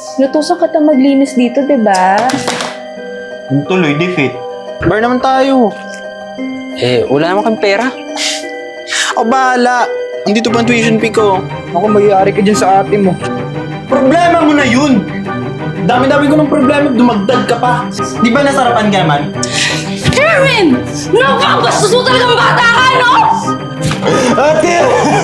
Lutusan kita maglinis dito, diba? Yung tuloy, defeat. Bar naman tayo. Wala naman kang pera. Ako bahala. Hindi to pang tuition fee ko. Ako, magyari ka dyan sa ate mo. Problema mo na yun! Dami-dami ko ng problema, dumagdag ka pa. Di ba nasarapan ka naman? Kerwin! Napakabastos mo talagang bata ka, no? Ate!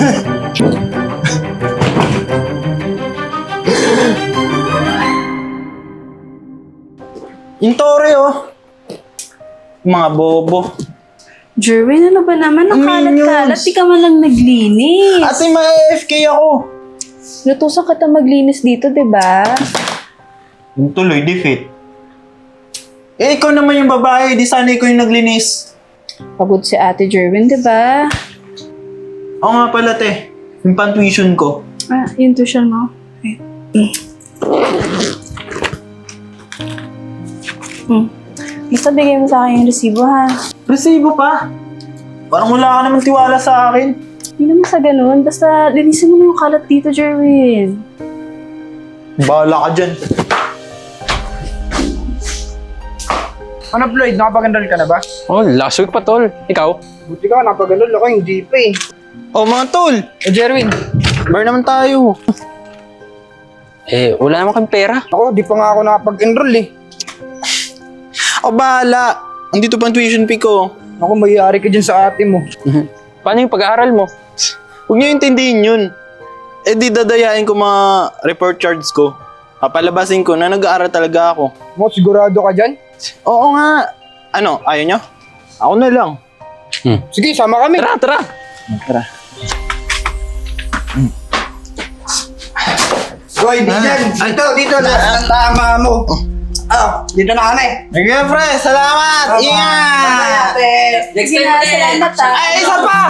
Yung tore, oh. Mga bobo. Jerwin, ano ba naman? Ang Minions. kalat-kalat, di ka man lang naglinis. Ate, ma-AFK ako. Lutusan kita maglinis dito, diba? Yung tuloy, defeat. Ikaw naman yung babae. Di sana ikaw yung naglinis. Pagod si ate Jerwin, diba? Oo nga pala, te. Yung pang-tuition ko. Ah, yung tuition mo. Okay. Basta bigay mo sa akin yung resibo, ha? Resibo pa. Parang wala ka naman tiwala sa akin. Hindi naman sa ganun. Basta linisin mo na yung kalat dito, Jerwin. Bahala ka dyan. Ano, Floyd? Nakapag-enroll ka na ba? Oh, last week pa, tol. Ikaw? Buti ka, nakapag-enroll ako, hindi pa eh. Oh, mga tol. Jerwin. Bar naman tayo. Wala naman kang pera. Ako, di pa nga ako nakapag-enroll eh. Ako bahala. Hindi to pang tuition fee ko. Ako, magyari ka dyan sa ate mo. Paano yung pag-aaral mo? Huwag niyo intindihin yun. Di dadayain ko mga report cards ko. Papalabasin ko na nag-aaral talaga ako. Mo, sigurado ka dyan? Oo nga. Ano, ayaw niyo? Ako na lang. Sige, sama kami. Tara, tara! Tara. Hoy, dyan. Dito na. Ang tama mo. Dito na kami. Sige, pre. Salamat. Ingat. Sige na, salamat, ha? Ay, isa pa!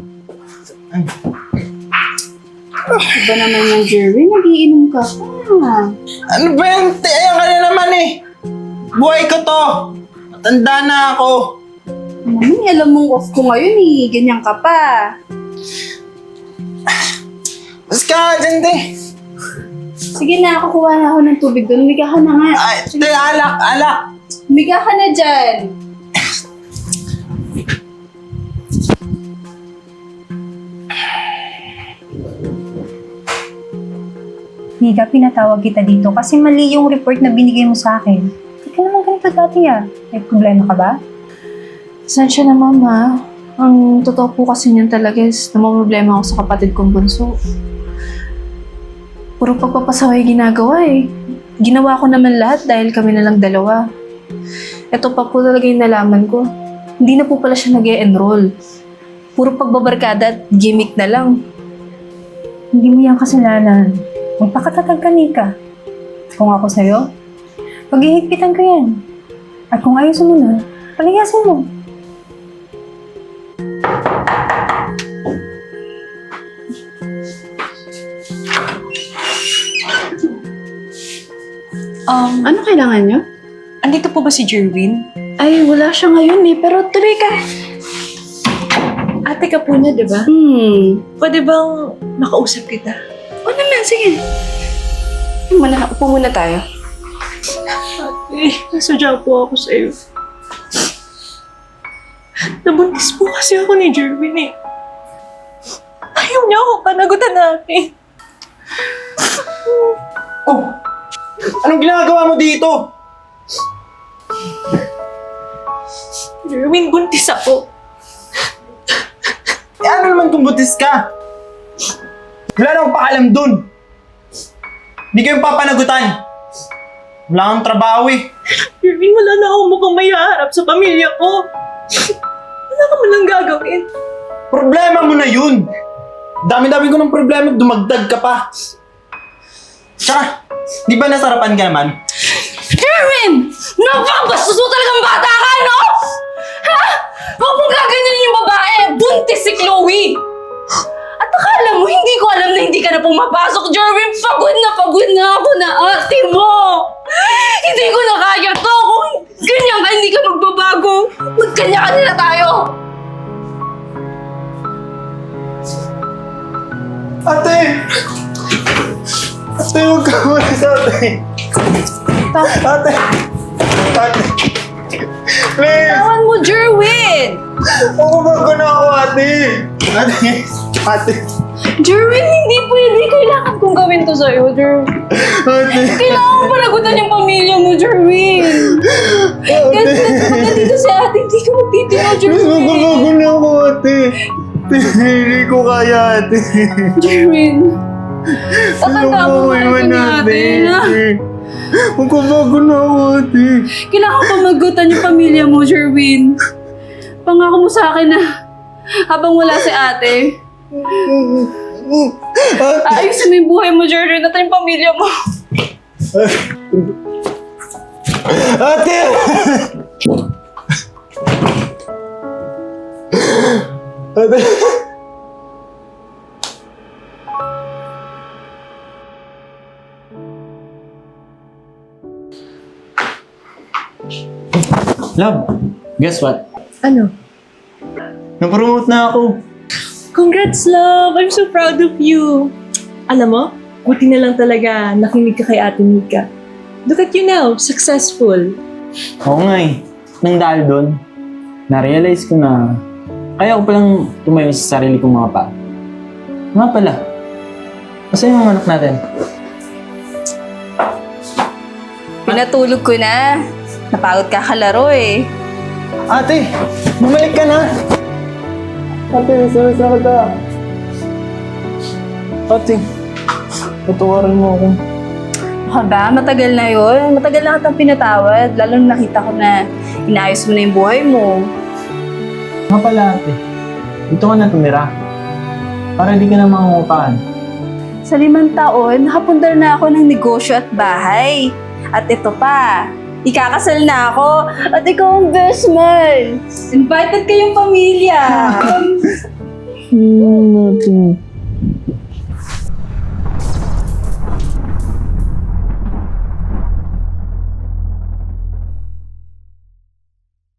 Iba naman yung Jerwin, nagiinom ka pa. Ano ba yan? Ayan ka na naman eh. Buhay ko to. Matanda na ako. Mami, alam mong off ko ngayon eh. Ganyan ka pa. Mas ka dyan, te. Sige na, kukuha na ako ng tubig doon. Umiga ka na nga. Ay, te, alak, alak. Umiga ka na dyan. Mika, pinatawag kita dito kasi mali yung report na binigay mo sa akin. Hindi ka naman ganito dati ah. May problema ka ba? Sensya na, Mama. Ang totoo po kasi niyan talaga is namamroblema ako sa kapatid kong bunso. Puro pagpapasaway ginagawa eh. Ginawa ko naman lahat dahil kami na lang dalawa. Ito pa po talaga yung nalaman ko. Hindi na po pala siya nag-e-enroll. Puro pagbabarkada at gimmick na lang. Hindi mo yan kasalanan. Magpakatatag ka, Mika. Kung ako sa'yo, paghihigpitan ko yan. At kung ayaw sumunod, palayasin mo. Ano kailangan niyo? Andito po ba si Jerwin? Ay, wala siya ngayon eh. Pero tuloy ka. Ate ka po niya, di ba? Pwede bang makausap kita? O naman, sige. Upo muna tayo. Ate, nasadya po ako sa'yo. Nabuntis po kasi ako ni Jerwin eh. Ayaw niya ako panagutan natin. Oh, anong ginagawa mo dito? Jerwin, buntis ako. Ano naman kung butis ka? Wala na akong pakalam dun. Hindi kayong papanagutan. Wala kang trabaho eh. Jerwin, wala na akong mukhang may haharap sa pamilya ko. Wala ka man lang gagawin. Problema mo na yun. Dami-dami ko ng problema, dumagdag ka pa. Tsaka, di ba nasarapan ka naman? Kerwin! Napakabastos mo talagang bata ka, no? Ha? Huwag mong gaganyanin yung babae! Buntis si Chloe! At akala mo, hindi ko alam na hindi ka na pumapasok, Jerwin! Pagod na ako na ate mo! Hindi ko na kaya to! Kung ganyan ka, hindi ka magbabago! Magkanya-kanya na tayo! Ate! Ate, huwag ka ulit. ate. Ate. Ate. Please. Tawan mo, Jerwin! Magbabago na ako, ate. Ate. Ate. Jerwin, hindi pwede. Kailangan kong gawin to sa'yo, Jerwin. Ate. Kailangan mo panagutan yung pamilya mo, Jerwin. Kasi pag nandito si ate, hindi ka magtitino, Please, Jerwin. magbabago na ako, ate. Hindi ko kaya, ate. Jerwin. Tatanda mo mahal ka natin, ha? Magbabago na ako, ate. Kailangan pamagutan yung pamilya mo, Jerwin. Pangako mo sa akin na habang wala si ate, ayusin mo yung buhay mo, Jerwin, at yung pamilya mo. Ate! Ate! Love, guess what? Ano? Na-promote na ako. Congrats, love! I'm so proud of you. Alam mo, buti na lang talaga nakinig ka kay Ate Mika. Look at you now, successful. Oo nga eh. Nang dahil doon, na-realize ko na kaya ko palang tumayo sa sarili kong mga pa. Nga pala, kasi yung mga anak natin. Pinatulog ko na. Napagod ka kalaro eh. Ate, bumalik ka na! Ate, sorry sa kita. Ate, patawarin mo ako. Baka ba? Matagal na yun. Matagal na kitang pinatawad. Lalo na nakita ko na inaayos mo na yung buhay mo. Nga pala ate, dito ka na tumira. Para di ka na mangungupahan. Sa 5 taon, nakapundar na ako ng negosyo at bahay. At ito pa, ikakasal na ako at ikaw ang best man. Invited kayong pamilya.